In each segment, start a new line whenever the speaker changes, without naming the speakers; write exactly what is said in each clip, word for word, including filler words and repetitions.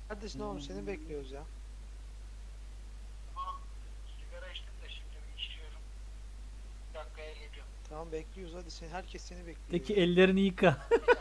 Kardeş ne olmuş, seni bekliyoruz ya.
Sigara içtim de şimdi bir içiyorum. Bir dakikaya geliyorum.
Tamam bekliyoruz, hadi sen, herkes seni bekliyor.
Peki
ya.
ellerini yıka.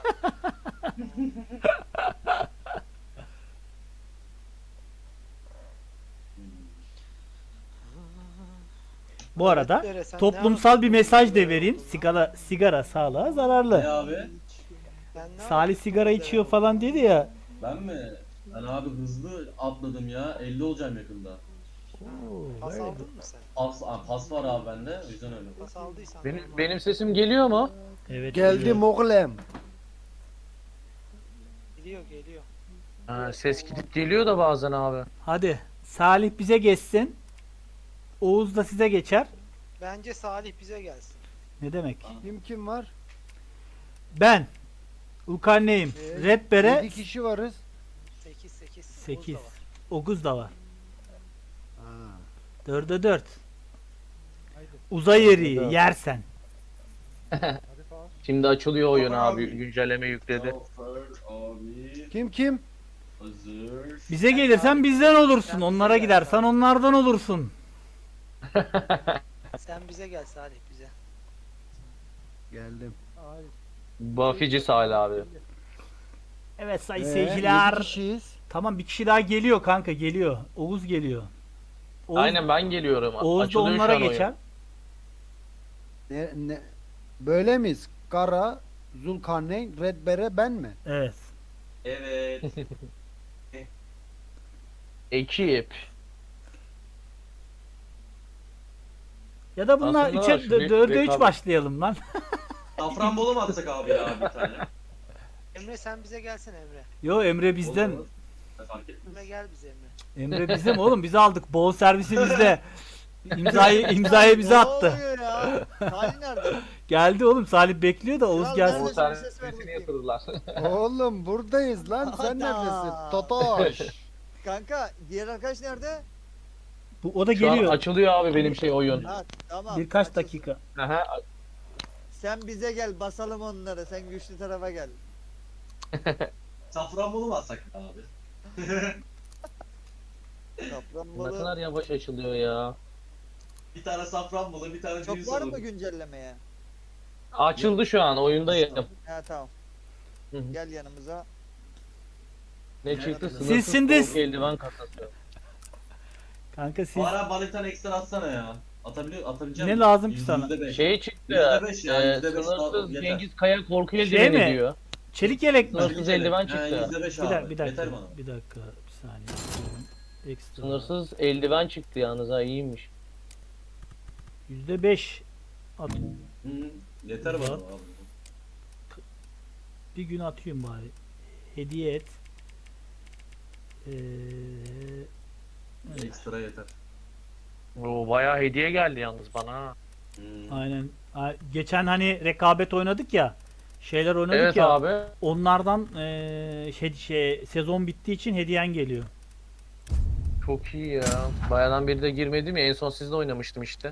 Bu arada
Evet, Bere, sen ne
toplumsal bir
yapıyorsun
mesaj da
sigara
vereyim.
yolunda?
Sigara sigara sağlığa
Ne
zararlı.
abi?
Sen ne
Salih
yapıyorsun
sigara
sigara
içiyor
yolunda?
falan dedi ya.
Ben mi? Ben abi hızlı atladım ya. elli olacağım yakında.
Oo,
Pas
very
aldın
good.
mı sen?
Pas, aa, pas var abi bende. O yüzden öyle.
Pas aldıysan.
Benim,
normal.
benim sesim geliyor mu?
Evet.
Geldim
geliyor.
oğlum.
Geliyor geliyor.
Ha, ses gidip geliyor da bazen abi.
Hadi Salih bize geçsin. Oğuz da size geçer.
Bence Salih bize gelsin.
Ne demek?
Kim kim var?
Ben Ulkarneyim.
Ee,
Red Bere
yedi kişi varız.
sekiz sekiz.
sekiz.
Oğuz da var.
Oguz da var.
Ha.
dörde dört. Uzay yeri yersen.
Şimdi açılıyor oyun
Tamam
abi.
abi.
Güncelleme yükledi.
Zafer abi
Kim kim?
hazır.
Bize gelirsen bizden olursun. Onlara gidersen onlardan olursun.
Sen bize gel Salih, bize.
Geldim.
Buffy'ci Salih abi.
Evet sayın
Ee,
seyirciler.
yedi kişiyiz.
Tamam bir kişi daha geliyor kanka, geliyor. Oğuz geliyor. Oğuz,
Aynen ben geliyorum.
Oğuz da
Açılıyor şu
onlara
an oyun.
geçer.
Ne, ne? Böyle miyiz? Kara, Zulkarneyn, Red Bere, ben mi?
Evet.
Evet.
Ekip.
Ya da bunlar
Aslında
üçe
şu
dörde üç
rekabet-
başlayalım lan.
Safranbolu mu atsak abi ya bir tane?
Emre sen bize gelsin Emre.
Yo Emre bizden.
Olur. Fark etmez.
Emre gel bize Emre.
Emre bizim oğlum, biz aldık. Bol servisi bizde. İmzayı imzayı bize attı.
Ne oluyor ya? Salih nerede?
Geldi oğlum, Salih bekliyor da Oğuz
Kral
gelsin.
nerede?
Bu sen
bir ses ver
sesini
bakayım.
yatırdılar.
Oğlum buradayız lan. Sen
Ana.
neredesin? Totoş.
Kanka diğer arkadaş nerede?
Bu o da
Şu an
geliyor.
açılıyor abi benim şey oyun.
Ha tamam.
Birkaç
açılsın.
dakika.
Aha.
Sen bize gel basalım onları. Sen güçlü tarafa gel.
Safranbolu mu atsak abi?
Ne
Safranbolu.
kadar yavaş açılıyor ya.
Bir tane Safranbolu, bir tane
Çok
düğün
var
salonu.
mı güncellemeye?
Açıldı şu an oyundayım.
Ha tamam.
Hı hı.
Gel yanımıza.
Ne çıktı?
Siz
Sınırsız
şimdi-
soğuk eldiven kasası.
Kanka siz
Bana bana bir tane ekstra atsana ya. Atabiliyor, atabileceğim
Ne
mi?
lazım ki
Yüzde
sana?
beş.
Şey çıktı.
Yüzde beş ya,
e,
yüzde beş
sınırsız
yeter.
Cengiz Kaya korku
Şey
eldiveni
mi?
diyor.
çelik yelek mi?
Sınırsız eldiven çıktı.
yüzde beş
Bir
abi.
dakika, bir dakika.
Yeter bana.
Bir dakika, bir saniye. Ekstra.
Sınırsız eldiven çıktı yalnız ha, iyiymiş.
yüzde beş at.
Hı, yeter bana
Var.
abi.
Bir gün atıyorum bari. Hediye et. Ee, evet,
Ekstra yeter.
Oo, bayağı hediye geldi yalnız bana ha.
Hı.
aynen. A- Geçen hani rekabet oynadık ya. Şeyler oynadık
Evet
ya.
abi.
Onlardan ee, şey, şey sezon bittiği için hediyen geliyor.
Çok iyi ya. Bayağıdan beri de girmedim ya. En son sizle oynamıştım işte.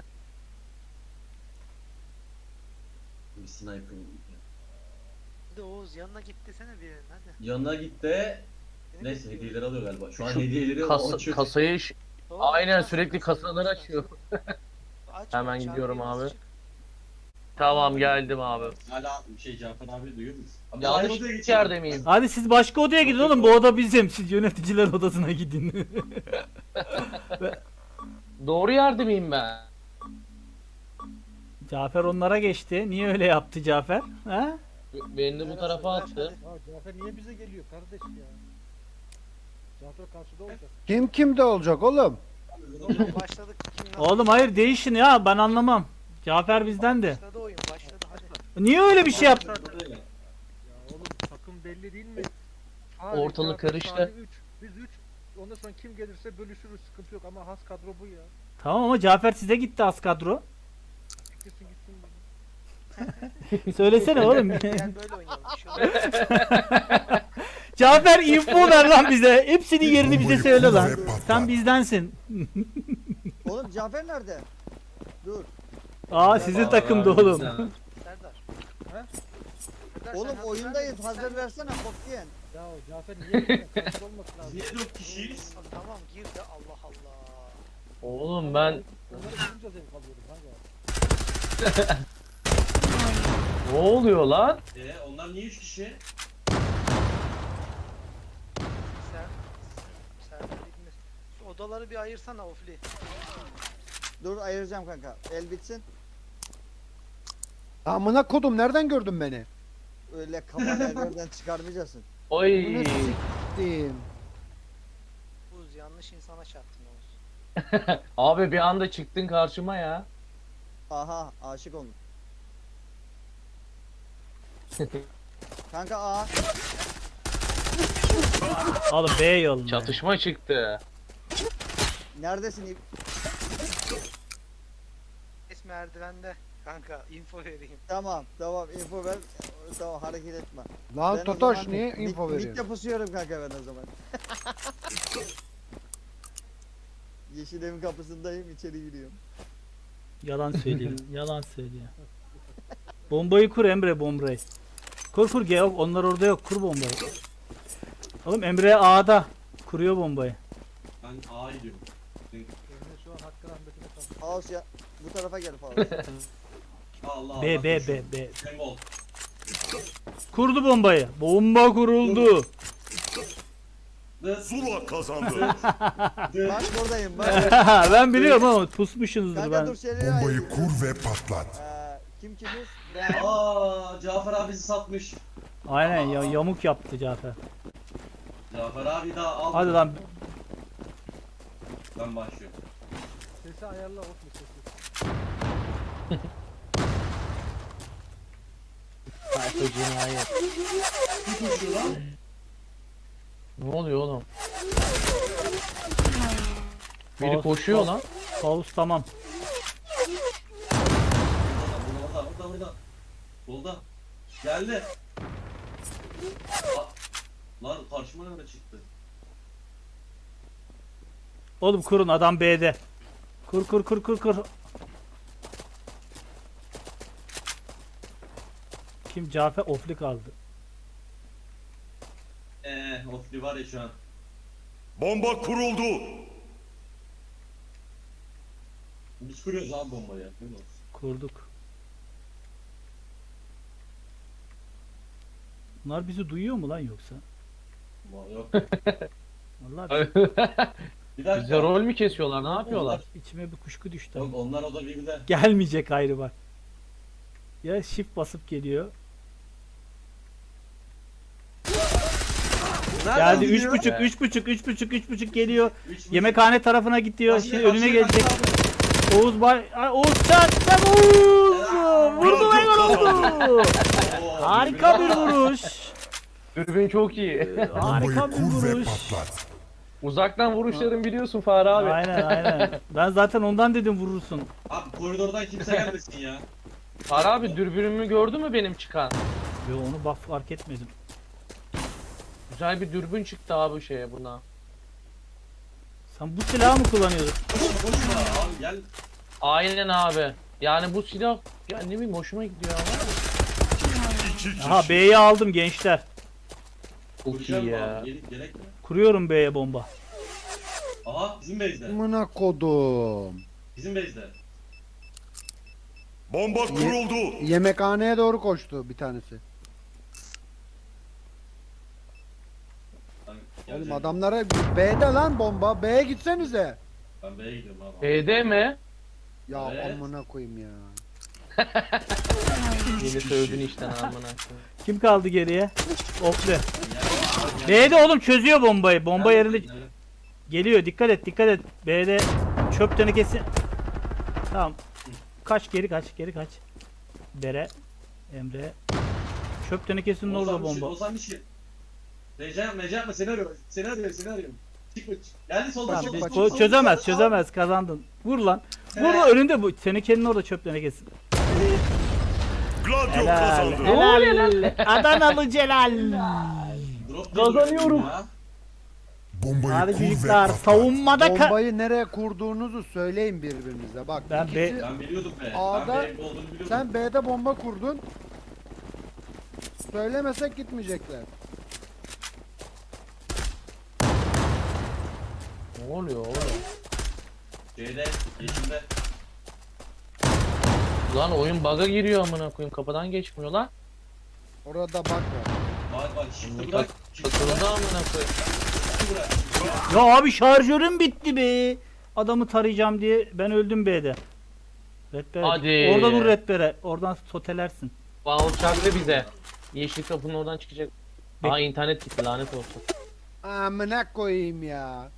Bir sniper.
Hadi Oğuz yanına git desene birinin hadi.
Yanına git de
Seni
neyse
bekliyor.
hediyeleri alıyor galiba. Şu an
Şu
hediyeleri
Kas,
açıyor.
kasayı ş-
Doğru,
aynen
aç,
sürekli
aç,
kasaları
aç,
açıyor.
aç,
Hemen
aç,
gidiyorum
biraz
abi.
çık.
Tamam geldim abi.
Hala şey Cafer abi duyuyor musun? Abi
Yanlış
aynı odaya geçelim.
yerde miyim?
Hadi siz başka odaya gidin oğlum. Bu oda bizim. Siz yöneticiler odasına gidin.
Doğru yerde miyim ben?
Cafer onlara geçti. Niye öyle yaptı Cafer? Ha?
Beni de bu tarafa attı.
Ya Cafer niye bize geliyor kardeş ya? Cafer karşıda olacak.
Kim kimde olacak oğlum?
Oğlum başladık. Kim yaptı?
Oğlum hayır, değişin ya, ben anlamam. Cafer bizden de.
Başladı oyun, başladı hadi.
Niye öyle bir şey yaptın?
Ya oğlum takım belli değil mi?
Ortalık karıştı.
üç, biz üç. Ondan sonra kim gelirse bölüşürüz, sıkıntı yok ama has kadro bu ya.
Tamam ama Cafer size gitti az kadro.
Gitsin gitsin.
Söylesene oğlum.
Gel böyle oynayalım. Bir şey olmaz.
Cafer info ver lan bize. Hepsinin yerini bize söyle lan. Sen bizdensin.
Oğlum Cafer nerede? Dur.
Aa sizin takımda oğlum.
Serdar. Önder, sen
Oğlum
hazır
oyundayız.
vermedin,
Hazır
sen-
versene bok diyen.
Ya o Cafer niye gittin? Kaçır olması lazım.
Niye dört kişiyiz?
Tamam gir de Allah Allah.
Oğlum ben
Onları bulunca zevk alıyorum kanka.
ne oluyor lan?
Ee, onlar niye üç kişi?
Sen sen bilmez. Şu odaları bir ayırsana Ofli.
Dur ayıracağım kanka. El bitsin.
Amına kodum nereden gördün beni?
Öyle kafanı ellerden çıkarmayacaksın.
Oy.
Bunu siktim.
Buz yanlış insana çarptın Oğuz.
Abi bir anda çıktın karşıma ya.
Aha aşık olmuş. Kanka A.
Oğlum B yolunda.
Çatışma çıktı.
Neredesin? İp?
Es merdivende. Kanka info vereyim.
Tamam tamam info ver. Tamam hareket etme.
Lan
Ben o
Totoş
zaman
niye
mid-
info
Mid'de
veriyorsun?
pusuyorum kanka ben o zaman. Yeşil evin kapısındayım içeri giriyorum.
Yalan söylüyor. Yalan söylüyor. Bombayı kur Emre bombayı. Kur kur gel yok onlar orada yok kur bombayı. Oğlum Emre A'da kuruyor bombayı.
Ben A'ya gidiyorum.
Emre şu an hakkı rahmetine kaldı.
Faust ya. Bu tarafa gel Faust.
Allah
B
Allah.
B
koşun.
B B.
Sembol.
Kurdu bombayı. Bomba kuruldu.
Dıt.
Zula kazandı.
Dıt.
Bak buradayım bak.
Ben biliyorum ama pusmuşsunuzdur
Kanka
ben.
dur seni
Bombayı
ayırıyorum.
kur ve patlat.
Ee, kim kimiz? Ben.
Aa, Cafer abi bizi satmış.
Aynen ya, yamuk yaptı Cafer.
Cafer abi daha al.
Hadi lan.
Ben başlıyorum.
Sesi ayarla Ofli sesi.
Sayfa cinayet. Ne oluyor oğlum? Biri
Faust-
koşuyor
Faust-
lan.
Faust tamam.
Burada, burada, burada, burada. Solda. Geldi. Aa, lan karşıma nerede çıktı?
Oğlum kurun adam B'de. Kur kur kur kur kur. Kim Cafer Ofli kaldı.
Eee, Ofli var ya şu an.
Bomba kuruldu.
Biz kuruyoruz abi bombayı. Değil mi?
Kurduk. Bunlar bizi duyuyor mu lan yoksa?
Ama Yok.
Vallahi
Bir dakika.
Bize rol mü kesiyorlar? Ne yapıyorlar?
içime bir kuşku düştü.
Yok onlar o da birbirine.
Gelmeyecek ayrı bak. Ya shift basıp geliyor. Geldi üç buçuk üç buçuk üç buçuk üç buçuk geliyor. Yemekhane tarafına gidiyor. Şimdi önüne gelecek. Oğuz bay Ay, Oğuz çat çat Oğuz. Vurdu ve gol oldu. Harika bir vuruş.
Dürbün çok iyi.
Harika
Bombayı
bir
kur ve
vuruş.
patlat.
Uzaktan vuruşlarım biliyorsun Fahri abi.
Aynen aynen. Ben zaten ondan dedim vurursun.
Abi koridordan kimse gelmesin ya.
Fahri abi dürbünümü gördü mü benim çıkan?
Yo onu bak fark etmedim.
Güzel bir dürbün çıktı abi şeye buna.
Sen bu silahı mı kullanıyordun?
Koşma koşma abi gel.
Aynen abi. Yani bu silah ya ne bileyim hoşuma gidiyor ama.
İki kişi.
Aha B'yi aldım gençler.
Çok
Vuracağım
iyi
mı
ya.
abi? Gerek, gerek mi?
Kuruyorum B'ye bomba.
Aha bizim base'de.
Amına kodum.
Bizim base'de.
Bomba kuruldu.
Yemekhaneye doğru koştu bir tanesi.
Ben
Oğlum
geleceğim.
adamlara B'de lan bomba. B'ye gitsenize.
Ben B'ye gidiyorum abi.
B'de mi?
Ya
Evet.
amına koyayım ya.
Yeni sövdün işten amına koyayım.
Kim kaldı geriye? Ofli. B'de oğlum çözüyor bombayı. Bomba yerinde geliyor. Dikkat et dikkat et. B'de çöp tenekesi. Tamam. Kaç geri kaç geri kaç. Bere. Emre. Çöp tenekesinin orada bomba.
Ozan bir şey. Reca yapma, Reca yapma seni arıyorum. Seni arıyorum, seni arıyorum. Çıkma, çık. Geldi solda
Tamam,
çok
biz-
bak.
o çözemez çözemez kazandın. Vur lan. Vur lan önünde bu. Tenekenin orada çöp tenekesi.
Gladio
Helal.
kazandı.
Helal. Adanalı Celal.
Drop
Kazanıyorum.
ya.
Bombayı
Hadi
kur ve
çocuklar
patlat.
savunmada ka-
Bombayı nereye kurduğunuzu söyleyin birbirinize. Bak
Ben
ikisi-
B-
Ben biliyordum be.
A'da-
Ben B'de olduğunu biliyordum.
sen B'de bomba kurdun. Söylemesek gitmeyecekler.
Ne oluyor oğlum?
Şeyde, yeşilde.
Lan oyun bug'a giriyor amına koyayım. Kapıdan geçmiyor lan.
Orada bak var.
Bak bak şimdi
Tak-
bırak. Şimdi
Takıldı amına koyayım.
bırak.
Ya abi şarjörüm bitti be. Adamı tarayacağım diye ben öldüm B'de. Redbere.
Hadi.
Orada dur Redbere. Oradan sotelersin.
Bağ uçaktı bize. Yeşil kapının oradan çıkacak.
Bek-
Aa internet gitti lanet olsun.
Amına koyayım ya.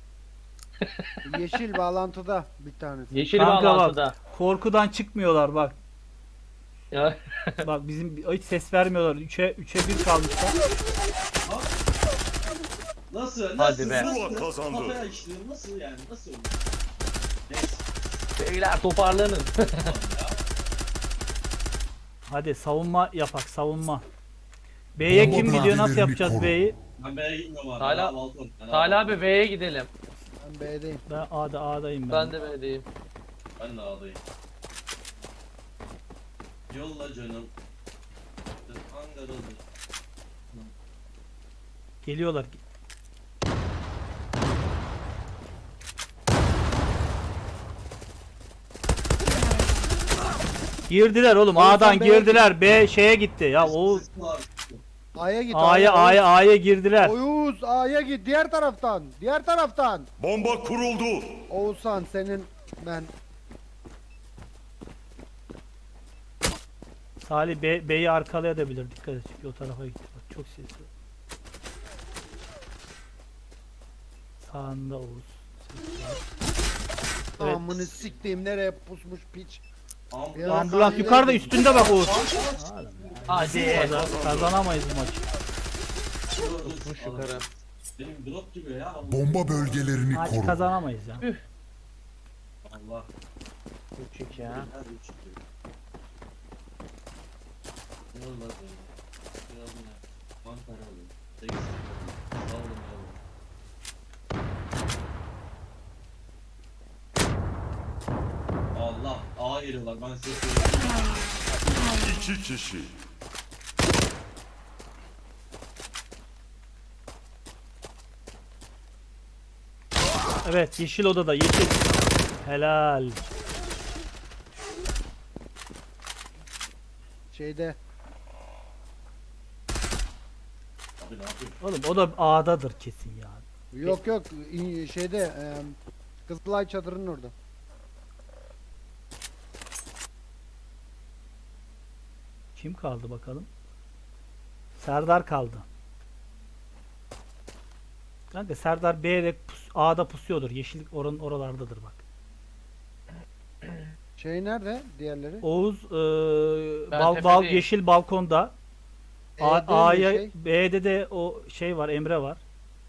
Yeşil bağlantıda bir tanesi.
Yeşil
Kanka
bağlantıda.
bak. Korkudan çıkmıyorlar bak.
Ya.
Bak bizim hiç ses vermiyorlar. üçe üçe bir kalmışlar.
Nasıl? Nasıl?
Hadi be.
Nasıl?
Zula kazandı.
Kafaya işliyor. Nasıl yani? Nasıl olur? Neyse.
Beyler toparlanın.
Hadi savunma yapak savunma. B'ye
Bomba
kim gidiyor? Nasıl
bölgelerini
yapacağız
koru.
B'yi?
Ben B'ye gitmiyorum abi.
Hala-
Ben balkon. Ben
Salih abi V'ye gidelim.
Ben B'deyim.
Ben A'da A'dayım ben.
Ben de V'deyim.
Ben de ağlayayım. Yolla canım. Ankaralı.
Geliyorlar. Girdiler oğlum.
Oğlum
A'dan
sen B'ye
girdiler. B şeye gitti. Ya o
Sesli var.
A'ya git.
A'ya A'ya A'ya girdiler.
Oğuz A'ya git diğer taraftan. Diğer taraftan.
Bomba kuruldu.
Oğuzhan senin ben
Salih B, B'yi arkalayabilir. Dikkat et çünkü o tarafa gitti. Bak çok sesli. Sağında Oğuz. Ses var. Evet.
amını siktiğim nereye pusmuş piç.
Am-
Ya.
Ambulans yukarıda üstünde bak Oğuz.
Hadi.
Kazan- Kazanamayız bu maçı.
Tutmuş yukarı.
Benim drop gibi ya. Allah.
Bomba bölgelerini
Maç
koru.
kazanamayız ya.
Allah.
Küçük ya.
Hadi üç iki. Yolla canım. Yolla. Ankaralı. Sekiz sekiz. Sağ olun yavrum. Allah. A geliyorlar. Ben size söyleyeyim.
İki kişi.
Evet yeşil odada yeşil. Helal.
Şeyde
Abi ne yapıyorsun?
Oğlum o da A'dadır kesin ya.
yok yok in- şeyde e, Kızılay çadırının orada.
Kim kaldı bakalım? Serdar kaldı. Kanka Serdar B'de pus, A'da pusuyordur. Yeşillik oranın oralardadır bak.
Şey nerede diğerleri?
Oğuz eee,
Ben
bal, bal,
tepedeyim.
yeşil balkonda. A-
E'de mi
A'ya
şey?
B'de de o şey var, Emre var.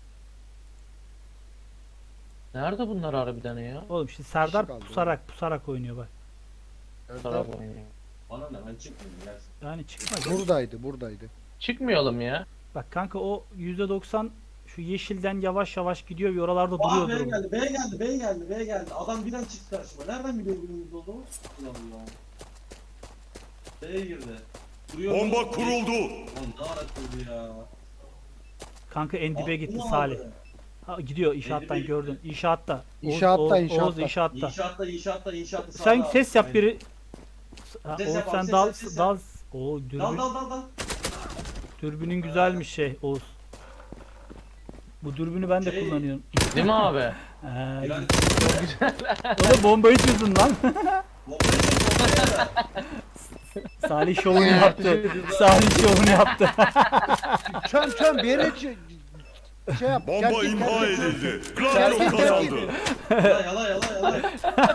Nerede bunlar harbiden ya?
Oğlum şimdi Serdar
kaldı
pusarak pusarak oynuyor bak.
Taraf oynuyor.
Bana ne? Ben çıkmıyorum. Gelsin.
Yani çıkmaz.
Buradaydı buradaydı.
Çıkmayalım ya.
Bak kanka o yüzde doksan şu yeşilden yavaş yavaş gidiyor ve oralarda
Aa
duruyordur.
B
o.
geldi, B geldi, B geldi, B geldi. Adam birden çıktı karşıma. Nereden biliyor günümüzde olduğumu? Allah Allah. B'ye girdi. Duruyor.
Bomba kuruldu.
Lan ne ara kurdu ya.
Kanka en dibe
Aa,
gitti
bunu
Salih.
aldı.
Ha, gidiyor inşaattan
Elli bir
gördün. İnşaatta. Oğuz-
İnşaatta,
Oğuz,
inşaatta.
Oğuz inşaatta.
İnşaatta, inşaatta, inşaatta.
Sen
sağda.
ses yap
Aynen.
biri. Ha,
Ses
Oğuz
yap abi,
sen
ses
dal
yap, ses
dal.
yap.
O dürbün,
Dal dal dal dal.
dürbünün güzelmiş şey Oğuz. Bu dürbünü ben de
Şey-
kullanıyorum.
Değil mi abi?
Ee,
Yani
o da bombayı çözdün lan.
bombayı çek, bombayı da.
Salih şovunu yaptı. Salih şovunu yaptı.
Çöm çöm bir yere ç- şey yap.
Bomba
gel git,
imha
gel git.
edildi.
Gel
Gladio
git, gel
kazandı.
git.
Yala yala yala yala.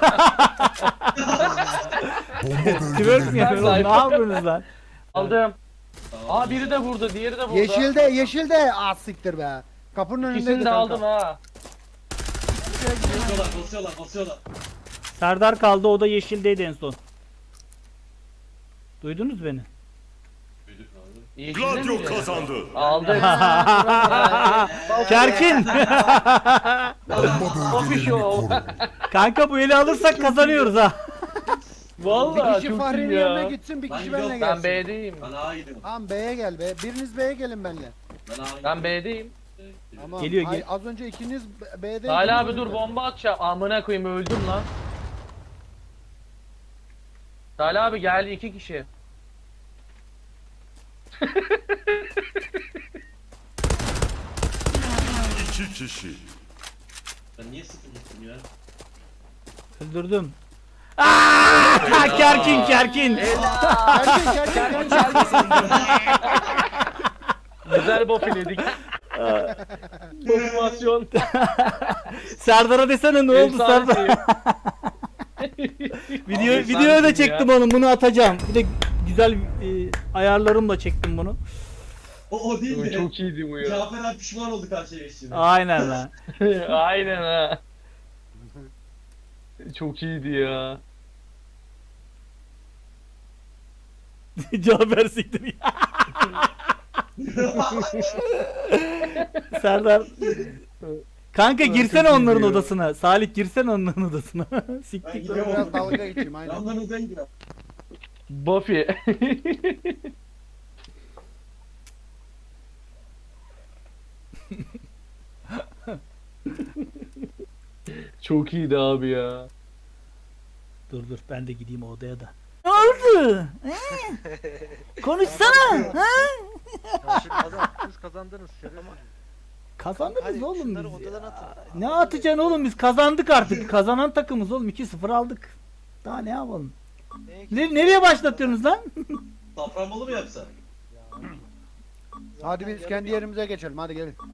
Bomba
Twerk mi
bölgelerini
yapıyorsun oğlum? Ne yapıyorsunuz lan?
Aldım.
Tamam.
Aa biri de burada, diğeri de burada.
Yeşilde yeşilde az siktir be. Kapının önünde
İkisini de aldım ha.
Basıyorlar, basıyorlar, basıyorlar.
Serdar kaldı o da yeşildeydi en son. Duydunuz beni?
Duyduk abi.
Yeşilde
Gladio
miydi?
kazandı.
Aldım.
Kerkin.
Bomba
Coffee
bölgelerini
show.
koru.
Kanka bu eli alırsak kazanıyoruz ha.
Vallahi
Bir kişi
çok
Fahri'nin
iyi
yanına
ya.
gitsin, bir
Ben
kişi
gidiyorum,
benimle
Ben
gelsin.
B'deyim.
Ben A'ya gidiyorum.
Tamam B'ye gel be. Biriniz B'ye gelin benimle.
Ben A'ya gidiyorum.
Ben B'deyim.
Tamam.
Geliyor,
Ay,
gel-
az önce ikiniz B- B'de.
Salih abi dur bomba atacağım. Amına koyayım öldüm lan. Salih abi geldi iki kişi.
İki kişi.
Ben niye sıfır gittim ya?
Öldürdüm. Aaaa! Kerkin kerkin.
Erkek erkek erkek.
Güzel bofiledik. Motivasyon.
Serdar'a desene ne oldu Serdar?
Efsaneyim.
Video
Abi,
videoya da
efsanesin
çektim
ya.
onu. Bunu atacağım. Bir de güzel e, ayarlarımla çektim bunu.
O, o değil de.
Çok iyiydi bu ya.
Cafer abi pişman oldu karşıya geçtiğine.
Aynen lan.
Aynen ha. Çok iyiydi ya.
Cafer siktir ya. Serdar. Kanka girsene
çok iyi
onların
diyor.
odasına. Salih girsene onların odasına.
Ben
Siktir.
gidiyorum.
Biraz dalga geçeyim aynen.
Yanlarınıza gidiyorum.
Buffy. Çok iyiydi abi ya.
Dur dur ben de gideyim o odaya da. Ne oldu? He? Konuşsana. Ha?
Ya şimdi kazan, siz kazandınız şerefsiz.
Kazandınız
Hadi
oğlum
şunları
biz
odadan
ya.
atın.
Ne atacaksın oğlum biz kazandık artık. Kazanan takımız oğlum iki sıfır aldık. Daha ne yapalım? Ne, nereye başlatıyorsunuz lan?
Safranbolu mu yapsa?
Hadi biz kendi yerimize geçelim hadi gelin.